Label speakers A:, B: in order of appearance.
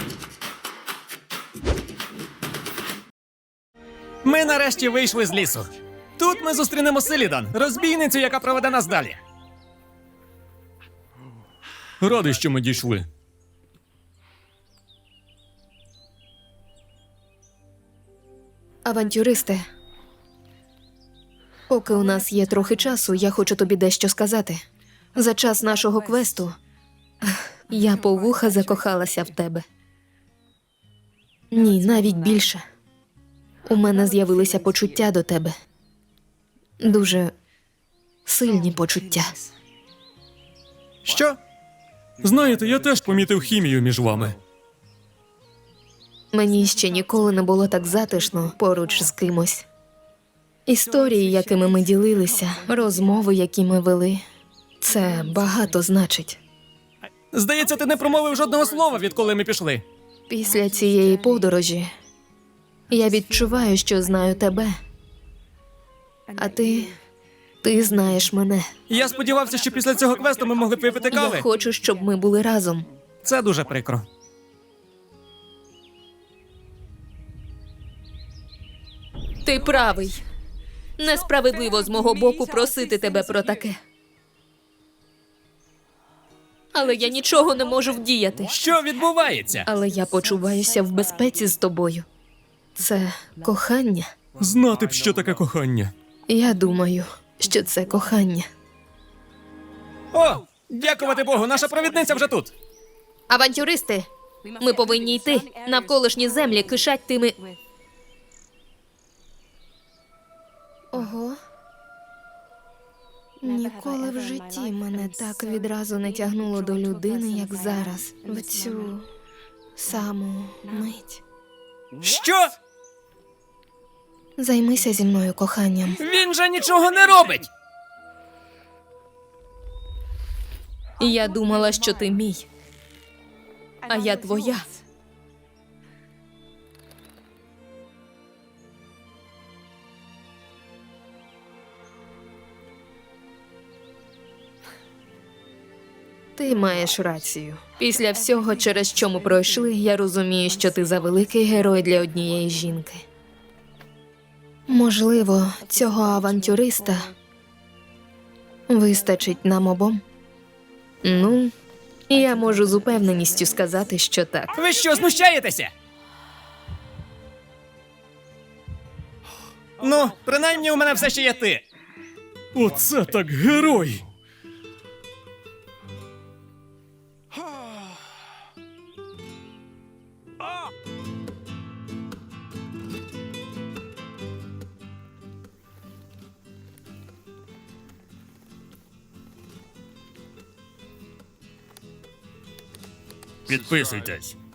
A: Ми нарешті вийшли з лісу. Тут ми зустрінемо Селідан, розбійницю, яка проведе нас далі. Радий, що ми дійшли.
B: Авантюристи, поки у нас є трохи часу, я хочу тобі дещо сказати. За час нашого квесту я по вуха закохалася в тебе. Ні, навіть більше. У мене з'явилися почуття до тебе. Дуже сильні почуття.
A: Що? Знаєте, я теж помітив хімію між вами.
B: Мені ще ніколи не було так затишно поруч з кимось. Історії, якими ми ділилися, розмови, які ми вели, це багато значить.
A: Здається, ти не промовив жодного слова, відколи ми пішли.
B: Після цієї подорожі я відчуваю, що знаю тебе. А ти знаєш мене.
A: Я сподівався, що після цього квесту ми могли б випити кави.
B: Я хочу, щоб ми були разом.
A: Це дуже прикро.
B: Ти правий. Несправедливо з мого боку просити тебе про таке. Але я нічого не можу вдіяти.
A: Що відбувається?
B: Але я почуваюся в безпеці з тобою. Це кохання.
A: Знати б, що таке кохання.
B: Я думаю, що це кохання.
A: О, дякувати Богу, наша провідниця вже тут.
B: Авантюристи, ми повинні йти. Навколишні землі кишать тими... Ого. Ніколи в житті мене так відразу не тягнуло до людини, як зараз. В цю саму мить.
A: Що?
B: Займися зі мною коханням.
A: Він же нічого не робить!
B: Я думала, що ти мій, а я твоя. Ти маєш рацію. Після всього, через що ми пройшли, я розумію, що ти завеликий герой для однієї жінки. Можливо, цього авантюриста вистачить нам обом? Ну, я можу з упевненістю сказати, що так.
A: Ви що, знущаєтеся? Ну, принаймні у мене все ще є ти. Оце так герой! Підписуйтесь.